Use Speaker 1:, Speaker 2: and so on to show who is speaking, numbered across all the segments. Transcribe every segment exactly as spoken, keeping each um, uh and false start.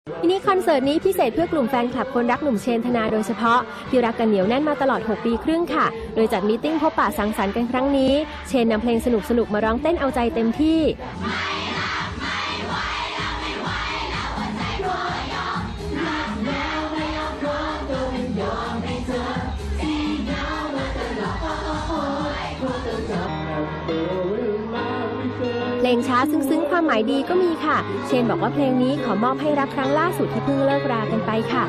Speaker 1: มินิคอนเสิร์ตนี้พิเศษเพื่อกลุ่มแฟนคลับคนรักหนุ่มเชนธนาโดยเฉพาะที่รักกันเหนียวแน่นมาตลอดหกปีครึ่งค่ะโดยจัดมีตติ้งพบปะสังสรรค์กันครั้งนี้เชนนำเพลงสนุกๆมาร้องเต้นเอาใจเต็มที่เพลงช้าซึ้งๆความหมายดีก็มีค่ะเชนบอกว่าเพลงนี้ขอมอบให้รักครั้งล่าสุดที่เพิ่งเลิกรากันไปค่ะ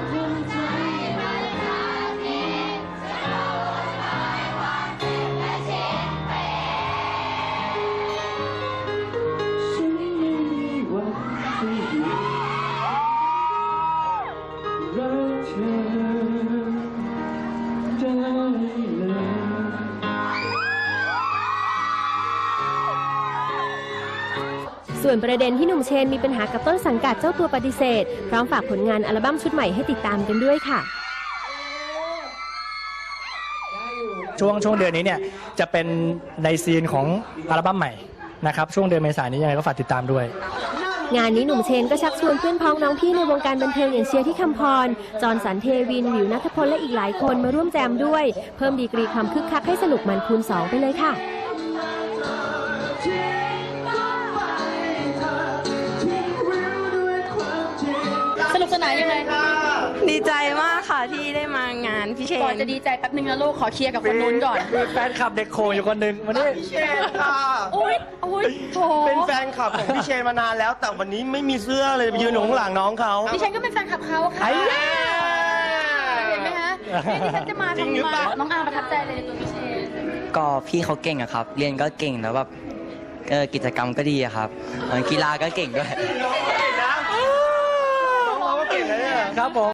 Speaker 1: ส่วนประเด็นที่หนุ่มเชนมีปัญหากับต้นสังกัดเจ้าตัวปฏิเสธพร้อมฝากผลงานอัลบั้มชุดใหม่ให้ติดตามกันด้วยค่ะ
Speaker 2: ช่วงช่วงเดือนนี้เนี่ยจะเป็นในซีนของอัลบั้มใหม่นะครับช่วงเดือนเมษายนนี้ยังไงก็ฝากติดตามด้วย
Speaker 1: งานนี้หนุ่มเชนก็ชักชวนเพื่อนพ้องน้องพี่ในวงการบันเทิงอย่างเชียร์ที่คำพรจอห์นสันเทวินวิวณัฐพลและอีกหลายคนมาร่วมแจมด้วยเพิ่มดีกรีความคึกคักให้สนุกมันคูณสองไปเลยค่ะ
Speaker 3: สนุกสนานยังไงคะ
Speaker 4: ดีใจมากค่ะที่ได้มางานพี่เชน
Speaker 3: ก่อนจะดีใจแป๊บนึงนะลูกขอเคลียร์กับคนนู้นก่อน
Speaker 2: มีแฟนคลับเด็กโคอยู่คนหนึ่งวันนี้
Speaker 5: พี่เชนค่ะ
Speaker 3: โอ๊ยโอ๊ยโถ
Speaker 5: เป็นแฟนคลับของพี่เชนมานานแล้วแต่วันนี้ไม่มีเสื้อเลยไปยืนอยู่ข้างหลังน้องเขา
Speaker 3: พี่เชนก็เป็นแฟนคลับเขาค่ะเห็นไหมคะนี่ดิฉันจะมาทำมาน้องอาประทับใจเลยในตัวพี่เชน
Speaker 6: ก็พี่เขาเก่งอะครับเรียนก็เก่งแล้วแบบกิจกรรมก็ดีอะครับกีฬาก็เก่งด้วย
Speaker 5: น้องก็เก่งนะน้องก็เก่งนะเนี่ย
Speaker 2: ครับผม